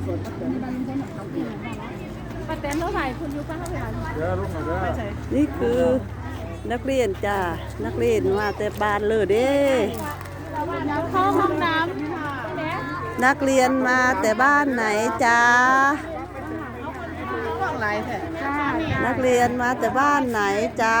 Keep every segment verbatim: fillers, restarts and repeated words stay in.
ป้าแตนเท่าไหร่คุณยูป้าเท่าไหร่นี่คือนักเรียนจ้านักเรียนมาแต่บ้านเลยเด้เข้าห้องน้ำนักเรียนมาแต่บ้านไหนจ้านักเรียนมาแต่บ้านไหนจ้า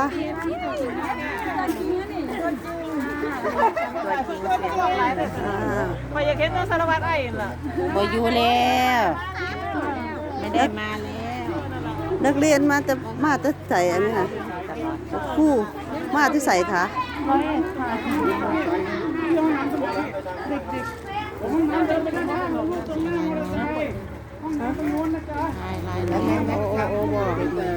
พออยากเห็นต้องสารวัตรไอ้ล่ะบอยู่แล้วไม่ได้มาแล้วนักเรียนมาแต่มาแต่ใส่อันนี้ค่ะครู่มาที่ใส่ค่ะลายลายลายโอ้โอ้โอ้บอก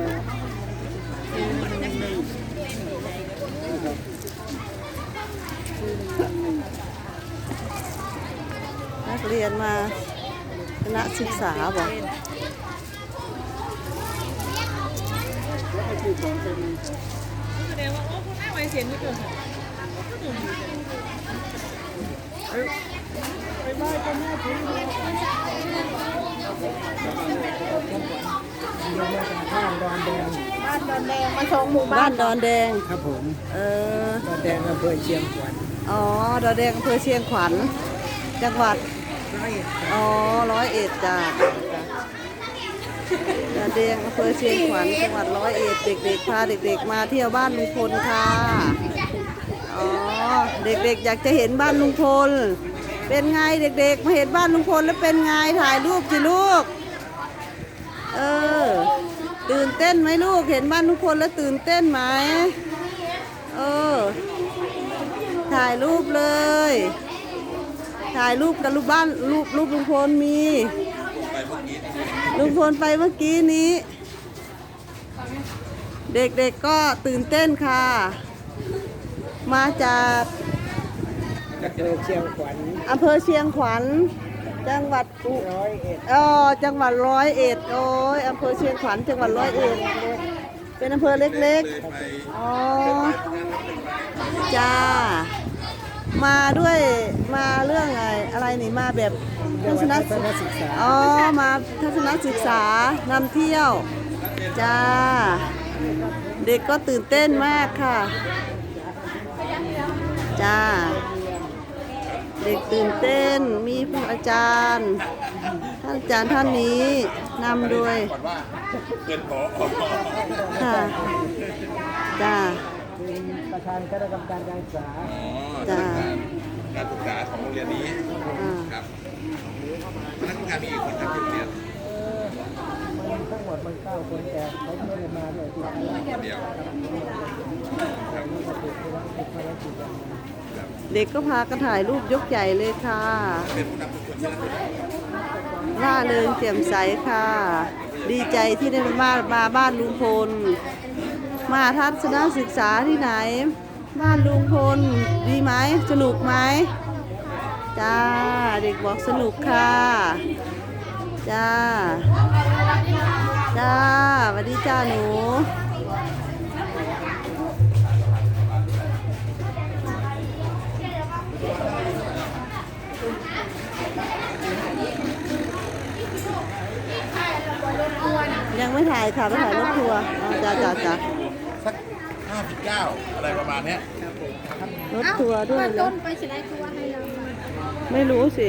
นักเรียนมาคณะศึกษาบอกแสดงว่าโอ้คุณแม่ไว้เสียงไม่เกินบ้านดอนแดงมาชงหมู่บ้าบ้าน นดอนแดงครับผมเออดอนแดงอำเภอเชียงขวัญอ๋อดอนแดงอำเภอเชียงขวัญจังหวัดร้อยเอ็ดอ๋อร้อยเอ็ดจ้าดอนแดงอำเภอเชียงขวัญจังหวัดร้อยเอ็ดเด็กๆพาเด็กๆมาเที่ยวบ้านลุงพลค่ะอ๋อเด็กๆอยากจะเห็นบ้านลุงพลเป็นไงเด็กๆมาเห็นบ้านลุงพลแล้วเป็นไงถ่ายรูปสิลูกเออตื่นเต้นไหมลูกเห็นบ้านลุงพลแล้วตื่นเต้นไหมเออถ่ายรูปเลยถ่ายรูปกับรูปบ้านรูปรูปลุงพลมีลุงพลไปเมื่อกี้นี้เด็กๆก็ตื่นเต้นค่ะมาจากอำเภอเชียงขวัญอำเภอเชียงขวัญจังหวัดอุร้อยเอ็ดอ๋อจังหวัดร้อยเอ็ดโอ้ยอำเภอเชียงขวัญจังหวัดร้อยเอ็ดเป็นอำเภอเล็กๆอ๋อจ้ามาด้วยมาเรื่องอะไรอะไรนี่มาแบบทัศนศึกษาอ๋อมาทัศนศึกษานำเที่ยวจ้าเด็กก็ตื่นเต้นมากค่ะจ้าเด็กตื่นเต้นมีผู้อาจารย์ท่านอาจารย์ท่านนี้นำด้วยเป็นผอค่ะจ้าเป็นประธานคณะกรรมการการศึกษาจ้าการศึกษาของโรงเรียนนี้ครับพนักงานมีกี่คนครับที่โรงเรียนมันทั้งหมดมันเก้าคนแต่เขาไม่ได้มาเลยที่คณะคนเดียวครับเด็กก็พากันถ่ายรูปยกใหญ่เลยค่ะเป็นผู้นำชุมชนที่นั่นเลยร่าเริงแจ่มใสค่ะ ดีใจที่ได้มามาบ้านลุงพลมาทัศนศึกษาที่ไหน บ้านลุงพลดีไหมสนุกไหมจ้าเด็กบอกสนุกค่ะจ้าจ้าสวัสดีจ้าหนูยังไม่ถ่ายค่ะไม่ถ่ายรถทัวร์อ๋อจ้าจ้าจ้าสักห้าสิบเก้าอะไรประมาณเนี้ยรถทัวร์ด้วยเหรอไปสิได้ตัวให้เราไม่รู้สิ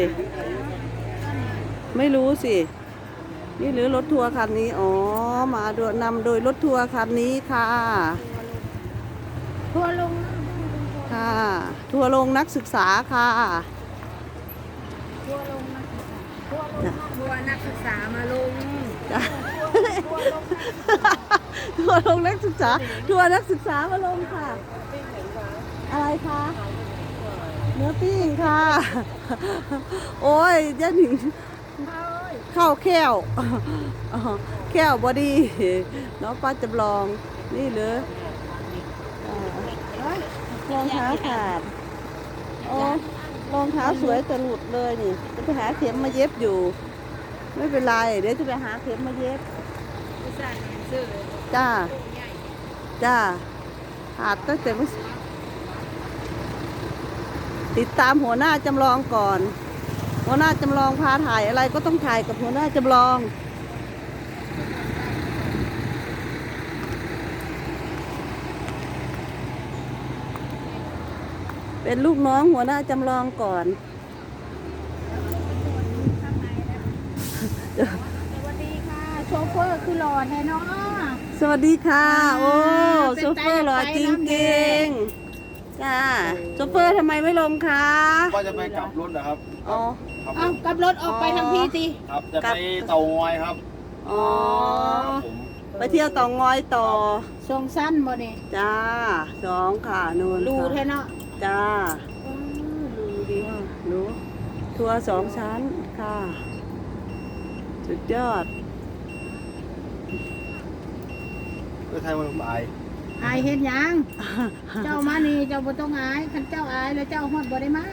ไม่รู้สิ นี่หรือรถทัวร์คันนี้ อ๋อ มาโดยนำโดยรถทัวร์คันนี้ค่ะทัวลงค่ะ ทัวร์ลงนักศึกษาค่ะทัวลงนักศึกษาทัวนักศึกษามาลงจ้ะทัวร์ลงนักศึกษา ทัวร์นักศึกษามาลงค่ะ อะไรคะ เนื้อปิ้งค่ะ โอ้ยยันหนิงข้าวแก้วแก้วบอดี้น้องป้าจำลอง นี่เลยรองเท้าขาดโอ้รองเท้าสวยแต่หลุดเลยนี่ จะไปหาเข็มมาเย็บอยู่ ไม่เป็นไร เดี๋ยวจะไปหาเข็มมาเย็บ จ้า จ้าหาดตั้งแต่เมื่อติดตามหัวหน้าจำลองก่อนหัวหน้าจำลองพาถ่ายอะไรก็ต้องถ่ายกับหัวหน้าจำลองเป็นลูกน้องหัวหน้าจำลองก่อนสวัสดีค่ะโชเฟอร์คือหล่อแท้เนาะสวัสดีค่ะ โอ้เป็นโชเฟอร์หล่อจริงๆจ้าโชเฟอร์ทำไมไม่ลงคะว่าจะไปกลับรถนะครับอ๋อครับเอากลับรถออกไปทางพี่สิครับจะไปเตางอยครับอ๋อครับผมไปเที่ยวเต่องอยต่อทรงสั้นบ่เนี่ยจ้าสองค่ะนูนรูแท้ค่ะเนาะจ้าอืมรูดีรู้ทัวร์สองชั้นค่ะ สุดยอดเพื่อไทยวันบ่ายอายเห็นยัง เจ้ามานี่เจ้าบ่ต้องอายคันเจ้าอายแล้วเจ้าฮอดบ่ได้มา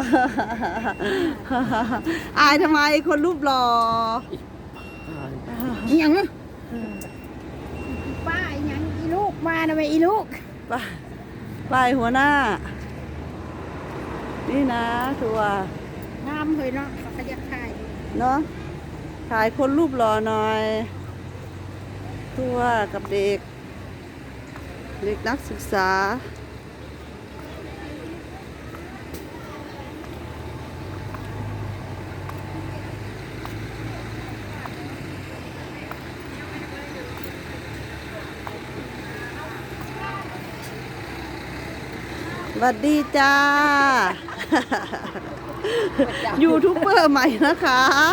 อายทำไมคนรูปหล่ออีหยังป้าอีหยังอีลูกมานะเว้ยอีลูกไปไปหัวหน้า นี่นะทัวร์งามเฮ้ยเนาะเขาอยากถ่ายเนาะถ่ายคนรูปหล่อหน่อย ทัวร์กับเด็ก เด็กนักศึกษา สวัสดีจ้า ยูทูบเบอร์ใหม่นะคะ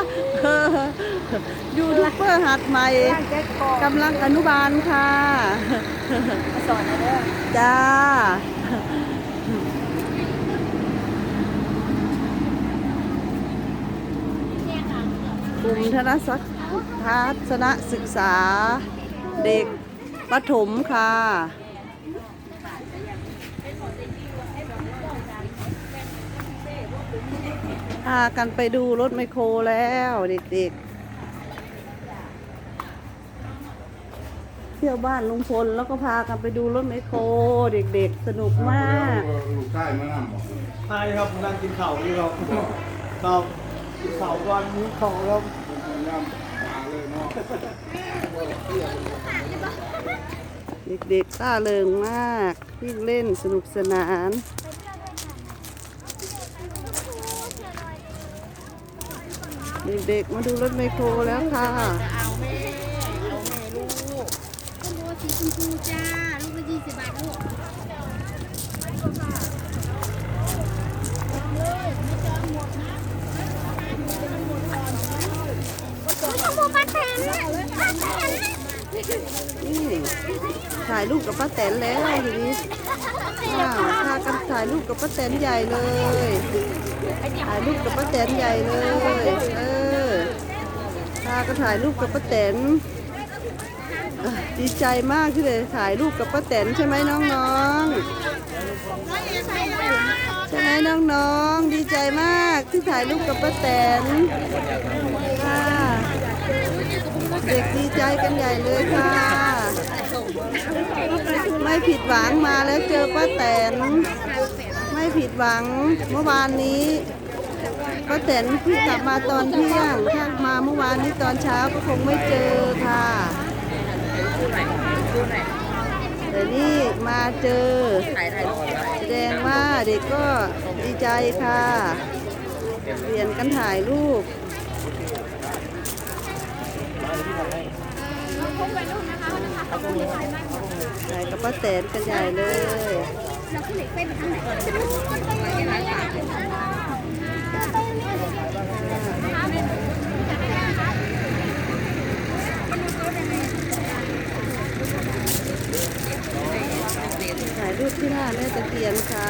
ยูทูบเบอร์หัดใหม่กำลังอนุบาลค่ะสอนนะเด้อจ้า กลุ่มทนศักดิ์ทัศนศึกษา เด็กประถมค่ะพากันไปดูรถไมคโครแล้วเด็กๆเที่ยวบ้านลุงพลแล้วก็พากันไปดูรถไมคโครเด็กๆสนุกมากลูกชายมานั่งบอกใช่ครับนั่งกินข้าวนี่ครับครับกินข้าวก่อนมื้อข้าวครับย่ำมาเลยเนาะเด็กๆต้าเริงมากวิ่งเล่นสนุกสนานเด็กๆมาดูรถไมคโครแล้วค่ะเอาแม่เอาแม่ลูกคุณโบสีชมพูจ้าลูกละยี่สิบบาทลูกชมพูป้าแตนป้าแตนนี่ถ่ายรูปกับป้าแตนแล้วทีนี้อ้าวพากันถ่ายรูปกับป้าแตนใหญ่เลยถ่ายรูปกับป้าแตนใหญ่เลยเออพากันถ่ายรูปกับป้าแตนอ่ะดีใจมากที่เลยถ่ายรูปกับป้าแตนใช่ไหมน้องๆใช่ไหมน้องๆดีใจมากที่ถ่ายรูปกับป้าแตนค่ะเด็กดีใจกันใหญ่เลยค่ะ ไม่ผิดหวังมาแล้วเจอป้าแตนไม่ผิดหวังเมื่อวานนี้ป้าแตนเพิ่งกลับมาตอนเที่ยงถ้ามาเมื่อวานนี้ตอนเช้าก็คงไม่เจอค่ะแต่นี่มาเจอแสดงว่าเด็กก็ดีใจค่ะเปลี่ยนกันถ่ายรูปใหญ่กับป้าแตนกันใหญ่เลยถ่ายรูปที่หน้าแม่ตะเคียนค่ะ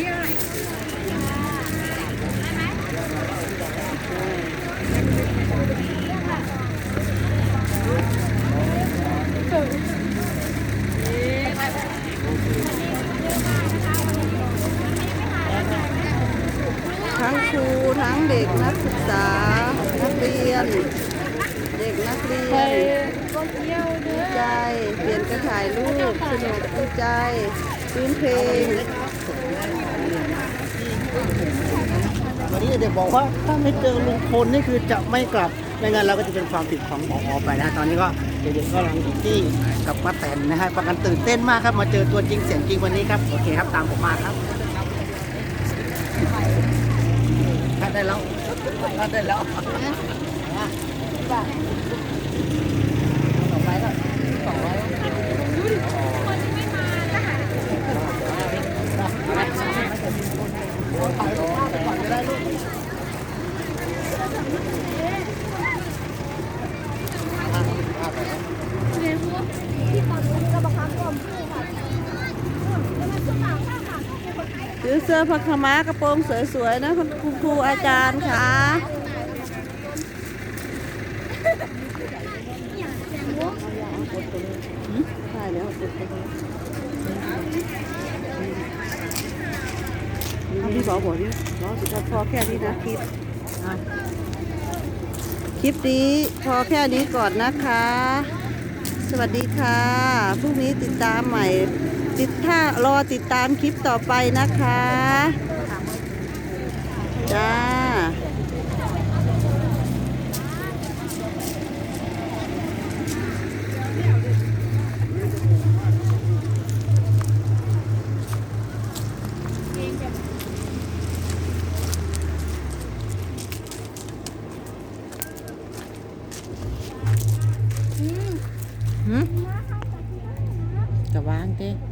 ทั้งครูทั้งเด็กนักศึกษานักเรียน เด็กนักเรียนดีใจเปลี่ยนกันถ่ายรูปสนุกดีใจพื้นเพลงวันนี้เด็กบอกว่าถ้าไม่เจอลุงพลนี่คือจะไม่กลับไม่งั้นเราก็จะเป็นความผิดของผอไปนะตอนนี้ก็เด็กๆก็กำลังอยู่ที่กับป้าแตนนะฮะประกันตื่นเต้นมากครับมาเจอตัวจริงเสียงจริงวันนี้ครับโอเคครับตามผมมาครับคัดได้แล้วคัดได้แล้วต่อไปก็ต่อไว้ถ่ายรูปภาพไปก่อนจะได้ลูกซื้อเสื้อผ้าขาวม้ากระโปรงสวยๆนะคุณครูอาจารย์ค่ะใช่แล้วพี่บอกบอกดิน้องสุดท้ายพอแค่นี้นะคลิปคลิปนี้พอแค่นี้ก่อนนะคะ สวัสดีค่ะพรุ่งนี้ติดตามใหม่ติดถ้ารอติดตามคลิปต่อไปนะคะจ้าหืมกระวางเต้